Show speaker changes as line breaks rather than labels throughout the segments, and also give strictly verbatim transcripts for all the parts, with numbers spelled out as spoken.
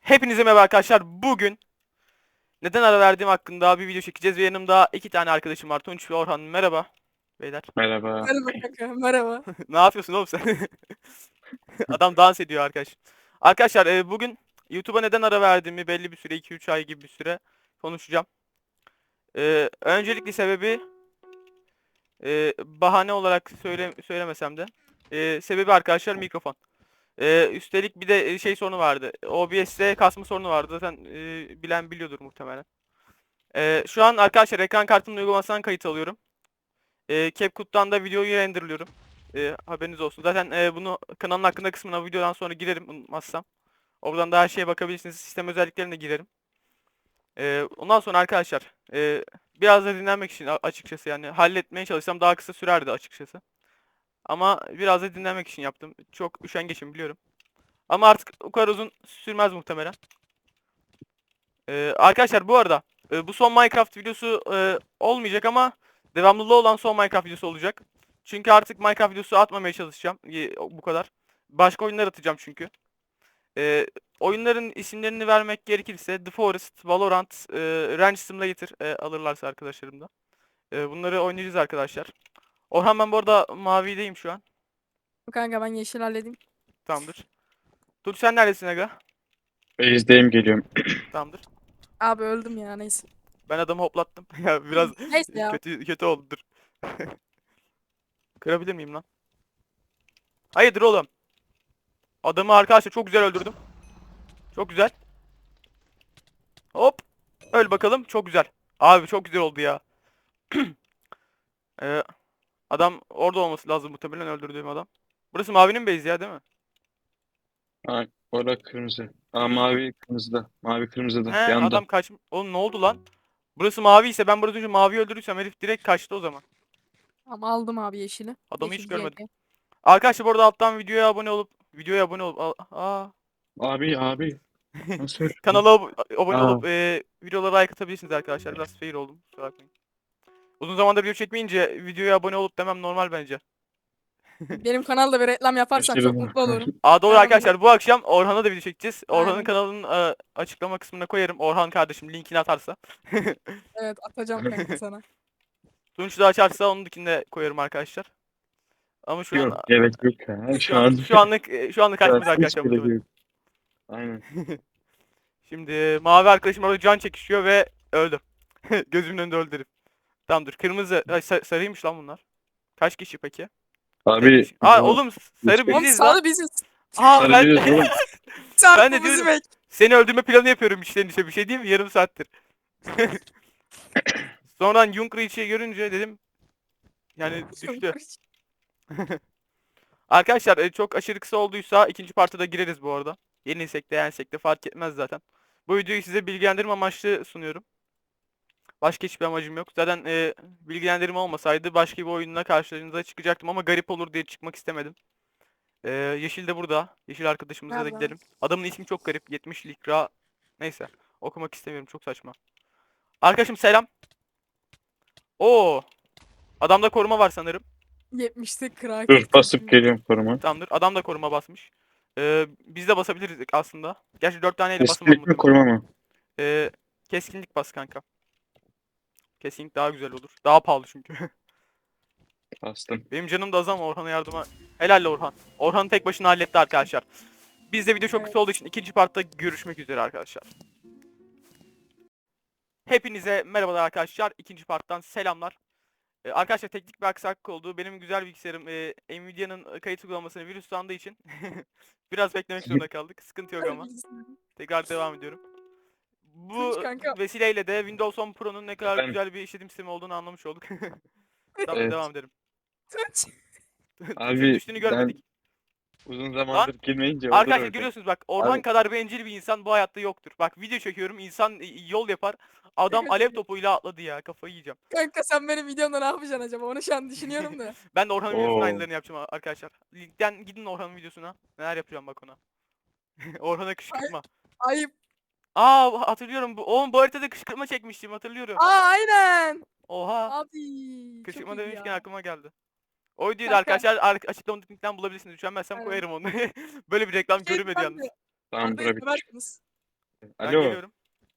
Hepinize merhaba arkadaşlar. Bugün neden ara verdiğim hakkında bir video çekeceğiz ve yanımda iki tane arkadaşım var. Tunç ve Orhan. Merhaba beyler.
Merhaba.
Merhaba kanka, merhaba.
Ne yapıyorsun oğlum sen? Adam dans ediyor arkadaş. Arkadaşlar e, bugün YouTube'a neden ara verdiğimi belli bir süre, iki üç ay gibi bir süre konuşacağım. E, öncelikli sebebi e, bahane olarak söyle, söylemesem de e, sebebi arkadaşlar mikrofon. E, üstelik bir de şey sorunu vardı. O B S'te kasma sorunu vardı. Zaten e, bilen biliyordur muhtemelen. Ee, şu an arkadaşlar ekran kartımın uygulamasından kayıt alıyorum. Ee, CapCut'tan da videoyu renderlıyorum. Ee, haberiniz olsun. Zaten e, bunu kanalın hakkında kısmına videodan sonra girerim unutmazsam. Oradan da her şeye bakabilirsiniz. Sistem özelliklerine girerim. Ee, ondan sonra arkadaşlar e, biraz da dinlenmek için a- açıkçası yani halletmeye çalışsam daha kısa sürerdi açıkçası. Ama biraz da dinlenmek için yaptım. Çok üşengeçim biliyorum. Ama artık o kadar uzun sürmez muhtemelen. Ee, arkadaşlar bu arada e, bu son Minecraft videosu e, olmayacak ama devamlılığı olan son Minecraft videosu olacak. Çünkü artık Minecraft videosu atmamaya çalışacağım. E, bu kadar. Başka oyunlar atacağım çünkü. E, oyunların isimlerini vermek gerekirse The Forest, Valorant, e, Ranch Simulator e, alırlarsa arkadaşlarım da. E, bunları oynayacağız arkadaşlar. Orhan ben bu arada mavideyim şu an.
Kanka ben yeşil halledeyim.
Tamamdır. Dur sen neredesin aga?
Base'deyim geliyorum.
Tamamdır.
Abi öldüm ya, neyse.
Ben adamı hoplattım. Ya biraz
Neyse ya.
kötü kötü oldu dur. Kırabilir miyim lan? Hayırdır oğlum? Adamı arkadaşlar çok güzel öldürdüm. Çok güzel. Hop. Öl bakalım. Çok güzel. Abi çok güzel oldu ya. Ee, adam orada olması lazım muhtemelen öldürdüğüm adam. Burası mavinin base ya değil mi?
Aa, orada kırmızı. Aa, mavi kırmızıda. Mavi
He
kırmızıda. Yanda.
adam kaç... Oğlum ne oldu lan? Burası mavi ise ben burada önce mavi öldürürsem herif direkt kaçtı o zaman.
Ama aldım abi yeşili.
Adamı hiç
Yeşil
görmedim.
G G.
Arkadaşlar bu arada alttan videoya abone olup videoya abone olup aa,
Abi abi. Nasıl öldün?
kanala ab- abone
Aa,
olup e, videolara like atabilirsiniz arkadaşlar. Biraz fail oldum. Kusura bakmayın. Uzun zamandır video çekmeyince videoya abone olup demem normal bence.
Benim kanalda bir reklam yaparsan çok
şaşırdım.
mutlu olurum.
Aa doğru
Anladın mı?
arkadaşlar bu akşam Orhan'a da video çekeceğiz. Orhan'ın
Aynen.
kanalının e, açıklama kısmına koyarım. Orhan kardeşim linkini atarsa.
Evet, atacağım kanka sana.
Tunç da açarsa onun linkini de koyarım arkadaşlar. Ama şu an
Yok gerek yok ya.
şu
Şu
an
an,
şu anlık e, şu anlık
şu an
açmayız
hiç
arkadaşlar
gerek
muhtemelen.
yok. Aynen.
Şimdi mavi arkadaşım orada can çekişiyor ve öldü. Gözümün önünde öldü herif. Tamamdır. Kırmızı ay, sa- sarıymış lan bunlar. Kaç kişi peki? Tek
Abi
kişi. Aa
bu
oğlum sarı
hiçbir
Oğlum
biziz lan.
sağlı biziz.
Aa ben
sarıcıyız oğlum.
ben de
Çarpımızı
diyorum.
bek.
Seni öldürme planı yapıyorum içten içe bir şey değil mi? Yarım saattir. Sonradan Junkrich'i görünce dedim yani düştü. Arkadaşlar e, çok aşırı kısa olduysa ikinci parta da gireriz bu arada. Yenilsek de yensek de fark etmez zaten. Bu videoyu size bilgilendirme amaçlı sunuyorum. Başka hiçbir amacım yok. Zaten e, bilgilendirme olmasaydı başka bir oyunla karşınıza çıkacaktım ama garip olur diye çıkmak istemedim. E, Yeşil de burada. Yeşil arkadaşımıza da
Nerede?
gidelim. Adamın ismi çok garip. yetmiş Likra. Neyse. Okumak istemiyorum. Çok saçma. Arkadaşım selam. Oo. Adamda koruma var sanırım.
yetmişte kral
Dur
kırk
basıp
kırk.
geliyorum koruma.
Tamamdır. Adam da koruma basmış. Ee, biz de basabiliriz aslında. Gerçi dört taneyle basamam
Esprik mi
muhtemelen.
koruma mı?
Ee, keskinlik bas kanka. Keskinlik daha güzel olur. Daha pahalı çünkü.
Bastım.
Benim canım da az ama Orhan'a yardıma. Helal Orhan. Orhan tek başına halletti arkadaşlar. Bizde video çok kısa olduğu
Evet.
için ikinci partta görüşmek üzere arkadaşlar. Hepinize merhabalar arkadaşlar. İkinci parttan selamlar. Ee, arkadaşlar teknik bir aksaklık oldu. Benim güzel bilgisayarım e, Nvidia'nın kayıt uygulamasını virüslandığı için biraz beklemek zorunda kaldık. Sıkıntı yok ama. Tekrar devam ediyorum.
Tunç
Bu
kanka.
vesileyle de Windows on Pro'nun ne kadar
Ben
güzel bir işletim sistemi olduğunu anlamış olduk. Tamam
evet.
devam edelim.
Tunç.
Tunç'un
Abi
düştüğünü
ben
görmedik.
uzun
Lan
zamandır girmeyince olur
arkadaşlar
öyle.
görüyorsunuz bak Orhan
Abi
kadar bencil bir insan bu hayatta yoktur. Bak video çekiyorum insan e, yol yapar. Adam alev topuyla atladı ya kafayı yiyeceğim.
Kanka sen benim videomda ne yapacaksın acaba? Onu şu an düşünüyorum da.
Ben de Orhan'ın videosunun
Oo.
aynılarını yapacağım arkadaşlar. Linkten gidin Orhan'ın videosuna. Neler yapacağım bak ona. Orhan'a
Ay,
kışkırtma.
ayıp.
Aa hatırlıyorum. Bu, oğlum bu haritada kışkırtma çekmiştim hatırlıyorum.
Aa aynen.
Oha.
Abi çok
Kışkırtma
iyi
demişken
ya.
aklıma geldi. O videoyu da
Kanka.
arkadaşlar ar- açıklama linkten bulabilirsiniz. Üşenmezsem
Aynen.
koyarım onu. Böyle bir reklam
Şey
görünmedi
ben de.
yalnız.
Tamam
Arda
bura bitti.
seversiniz.
Ben
Alo.
geliyorum.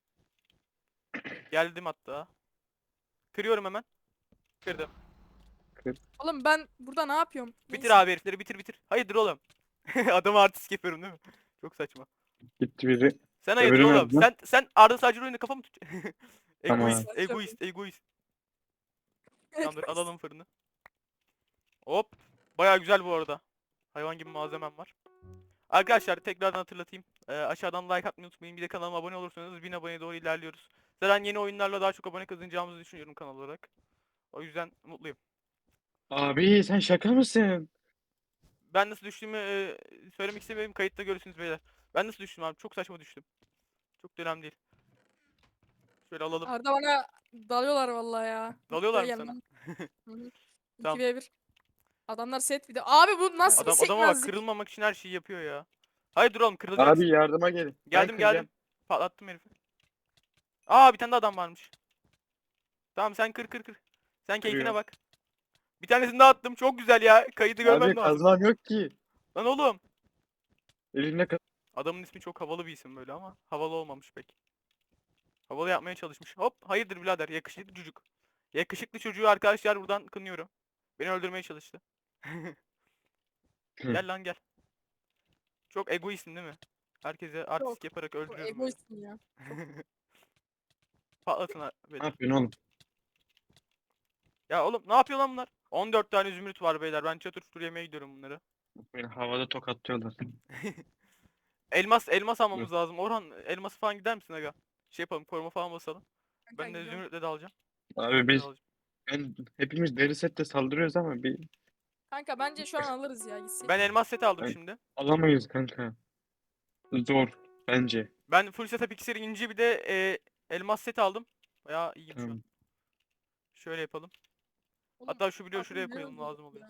Geldim hatta. Kırıyorum hemen. Kırdım.
Oğlum ben burada ne yapıyorum?
Bitir
Neyse.
abi herifleri bitir bitir. Hayırdır oğlum? Adamı artist yapıyorum değil mi? Çok saçma.
Gitti biri.
Sen hayırdır
Öbürü
oğlum?
nerede lan?
Sen sen Arda Sacır oyunda kafa mı tut?
Tamam.
Egoist, egoist, egoist. Tamamdır alalım fırını. Hop. Baya güzel bu arada. Hayvan gibi malzemem var. Arkadaşlar tekrardan hatırlatayım. Ee, aşağıdan like atmayı unutmayın. Bir de kanalıma abone olursanız bin aboneye doğru ilerliyoruz. Zaten yeni oyunlarla daha çok abone kazanacağımızı düşünüyorum kanal olarak. O yüzden mutluyum.
Abi sen şaka mısın?
Ben nasıl düştüğümü e, söylemek istemiyorum. Kayıtta görürsünüz beyler. Ben nasıl düştüm abi? Çok saçma düştüm. Çok da önemli değil. Şöyle alalım.
Arda bana dalıyorlar vallahi ya.
Dalıyorlar mı
Buraya
sana?
gelmem. Hı hı.
Tamam.
iki ve bir. Adamlar set video. Abi bu nasıl
Adam
bir
adama bak
sekmezlik?
kırılmamak için her şeyi yapıyor ya. Hayır dur oğlum kırılacaksın.
Abi yardıma gelin. Ben
Geldim
kıracağım.
geldim. Patlattım herifi. Aa bir tane de adam varmış. Tamam sen kır kır kır. Sen keyfine
Kırıyorum.
bak. Bir tanesini daha attım. Çok güzel ya. Kaydı görmem
Abi
lazım.
kazmam yok ki.
Lan oğlum.
Elimde kaz...
Adamın ismi çok havalı bir isim böyle ama havalı olmamış pek. Havalı yapmaya çalışmış. Hop hayırdır birader yakışıklı çocuk. Yakışıklı çocuğu arkadaşlar buradan kınıyorum. Beni öldürmeye çalıştı. Gel lan gel. Çok egoistsin değil mi? Herkese artistik yaparak
Çok
öldürüyorum böyle.
egoistsin ya.
Patlatın ha- beni.
Ne yapıyorsun oğlum?
Ya oğlum ne yapıyor lan bunlar? on dört tane zümrüt var beyler. Ben çatır çutur yemeye gidiyorum bunları.
Beni havada tokatlıyorlar.
Elmas elmas almamız lazım. Orhan elması falan gider misin aga? Şey yapalım koruma falan basalım.
Kanka
Ben de
gidiyorum.
zümrütle de alacağım.
Abi
Zümrütle de
biz
alacağım.
ben, hepimiz deri sette saldırıyoruz ama bir
Kanka bence şu an alırız ya gitsin.
Ben elmas seti aldım
Ben-
şimdi.
alamayız kanka. Zor bence.
Ben full setup iksir inci bir de e, elmas seti aldım. Bayağı iyiyim şu an.
Tamam.
Şöyle yapalım.
Oğlum,
Hatta şu bloğu
abi
şuraya
ne
koyalım
oldu
lazım oluyor.
ya?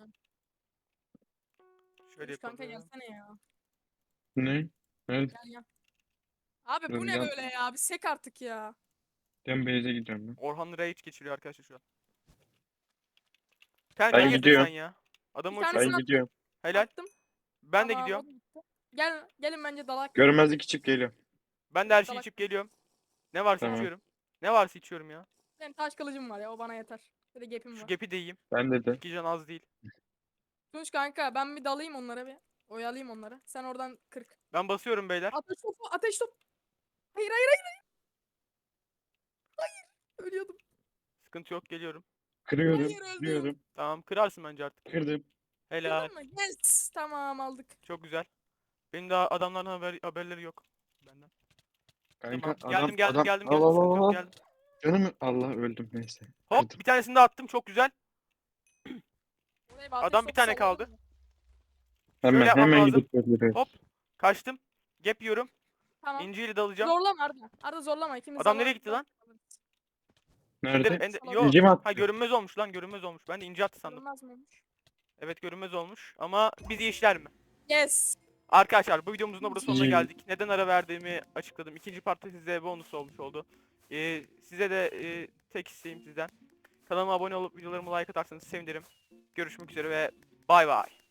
Şöyle
Barış kanka
yapalım.
gelsene ya.
Ne? Evet.
Gel gel. Abi bu
Dur,
ne
yan-
böyle ya? Bir sek artık ya.
Ben base'e gidiyorum ben.
Orhan rage geçiriyor arkadaşlar şu an. Sen
Ben
hayırdır
gidiyorum.
sen ya? Adamı
Bir
uçur.
tanesini
Ben gidiyorum.
Helal.
attım.
Ben de
Tamam,
gidiyorum.
o da gitti. Gel gelin bence dalak.
Görmezlik içip geliyorum.
Ben de her şeyi
Salak.
içip geliyorum. Ne varsa
Tamam.
içiyorum. Ne varsa içiyorum ya.
Benim taş kılıcım var ya o bana yeter. Bir de gapim
Şu
var.
gepi de yiyeyim.
Ben de de.
İki can az değil.
Tunç kanka ben bir dalayım onlara bir. Oyalayayım onları. Sen oradan kırk.
Ben basıyorum beyler.
Ateş topu ateş top. Hayır hayır hayır. Hayır. Hayır. Ölüyordum.
Sıkıntı yok geliyorum.
Kırıyorum.
Hayır, öldüm.
Kırıyorum.
Tamam kırarsın bence artık.
Kırdım.
Helal.
Kırdın mı? Yes. Tamam aldık.
Çok güzel. Benim daha adamların haber, haberleri yok. Benden.
Kanka
Tamam.
adam
Geldim geldim
adam
geldim
al
geldim.
al
Sıkıntı
al
yok
al.
geldim.
Canım Allah öldüm neyse.
Hop
Kırdım.
bir tanesini de attım çok güzel.
Oraya bir ateş
Adam bir
topu
tane
sallayalım
kaldı.
mı?
Hemen
yapmam
hemen
lazım.
gidip öldürüyoruz.
Hop. Kaçtım. Gap yiyorum.
Tamam.
İnciyle de alacağım.
Zorlama Arda. Arda zorlama ikimiz
Adam
de
nereye
var-
gitti lan?
Nerede?
Ender, ender,
Salak.
yo.
İnci mi attı?
Ha görünmez olmuş lan görünmez olmuş. Ben de ince attı sandım.
Görünmez mi olmuş?
Evet görünmez olmuş. Ama bizi işler mi?
Yes.
Arkadaşlar bu videomuzun da burada sonuna
İyi.
geldik. Neden ara verdiğimi açıkladım. İkinci parti size bonus olmuş oldu. Ee, size de e, tek isteğim sizden. Kanalıma abone olup videolarıma like atarsanız sevinirim. Görüşmek üzere ve bay bay.